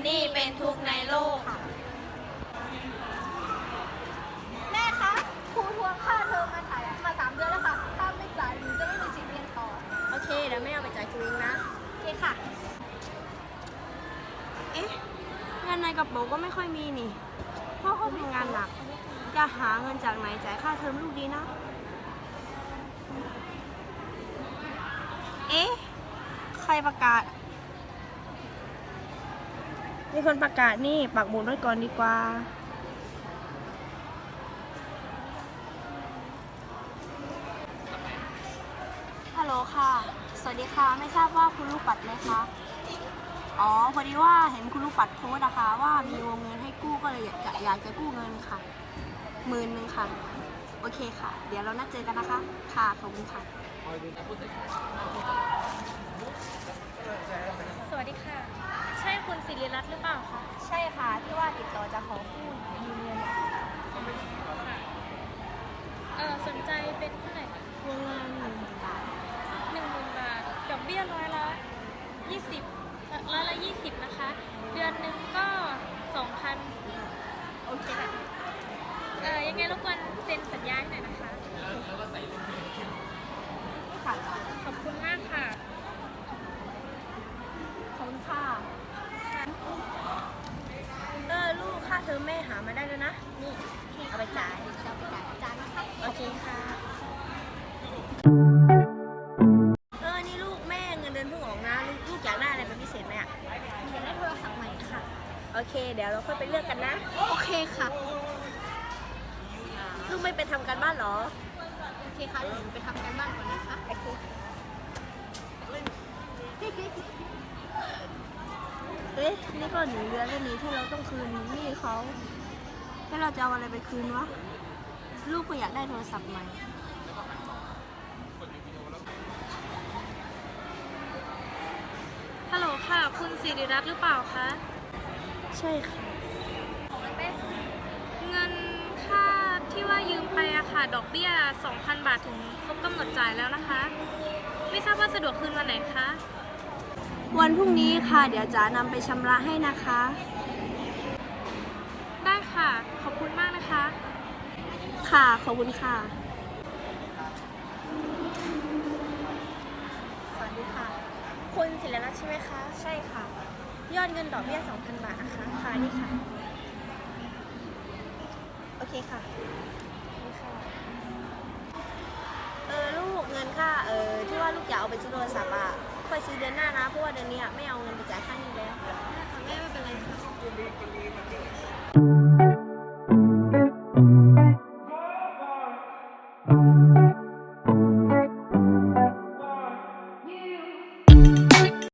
นี่เป็นทุกข์ในโลกค่ะแม่คะครูทวงค่าเทอมมา3 เดือนแล้วค่ะถ้าไม่จ่ายหนูจะไม่มีสิทธิ์เรียนต่อโอเคเดี๋ยวแม่เอาไปจ่ายครูเองนะโอเคค่ะเอ๊ะเงินในกระเป๋าก็ไม่ค่อยมีนี่พ่อเขาทำงานหนักจะหาเงินจากไหนจ่ายค่าเทอมลูกดีนะเอ๊ะใครประกาศมีคนประกาศนี่ปักหมุดไว้ก่อนดีกว่าฮัลโหลค่ะสวัสดีค่ะไม่ทราบว่าคุณลูกปัดไหมคะอ๋อพอดีว่าเห็นคุณลูกปัดโพสต์นะคะว่ามีวงเงินให้กู้ก็เลยอยากจะกู้เงินค่ะ10,000ค่ะโอเคค่ะเดี๋ยวเรานัดเจอกันนะคะค่ะขอบคุณค่ะสวัสดีค่ะใช่คุณศิริรัตน์หรือเปล่าคะใช่ค่ะที่ว่าติดต่อจะขอกู้ยืมเงินสนใจเป็นเท่าไหร่คะวงเงิน10,000 บาท 10,000 บาทดอกเบี้ย20%นะคะเดือนหนึ่งก็ 2,000โอเคค่ะยังไงรบกวนเซ็นสัญญาให้หน่อยนะคะค่ะขอบคุณมากค่ะขอบคุณค่ะลูกค่าเทอมแม่หามาได้แล้วนะนี่เอาไปจ่ายจะไปจ่ายอาจารย์นะคะโอเคค่ะนี่ลูกแม่เงินเดือนเพิ่งออกนะลูกอยากได้อะไรเป็นพิเศษไหมอ่ะอยากได้โทรศัพท์ใหม่ค่ะโอเคเดี๋ยวเราค่อยไปเลือกกันนะโอเคค่ะลูกไม่ไปทำการบ้านเหรอโอเคค่ะเดี๋ยวหนูไปทำการบ้านก่อนนะคะโอเคนี่ก็1 เดือนแล้วนี้ที่เราต้องคืนหนี้เขาแล้วเราจะเอาอะไรไปคืนวะลูกก็อยากได้โทรศัพท์ใหม่ฮัลโหลค่ะคุณศิริรัตน์หรือเปล่าคะใช่ค่ะเงินค่าที่ว่ายืมไปอะค่ะดอกเบี้ย 2,000 บาทถึงครบกำหนดจ่ายแล้วนะคะไม่ทราบว่าสะดวกคืนวันไหนคะวันพรุ่งนี้ค่ะเดี๋ยวจ๋านำไปชำระให้นะคะได้ค่ะขอบคุณมากนะคะค่ะขอบคุณค่ะสวัสดีค่ะคุณศิริรัตน์ใช่ไหมคะใช่ค่ะยอดเงินดอกเบี้ย 2,000 บาทนะคะค่ะนี่ค่ะโอเคค่ะนี่ค่ะลูกเงินค่าที่ว่าลูกอยากเอาไปซื้อโทรศัพท์อ่ะค่อยซื้อเดือนหน้านะเพราะว่าเดือนนี้ไม่เอาเงินไปจ่ายค่านี้แล้วแม่ไม่เป็นไรค่ะ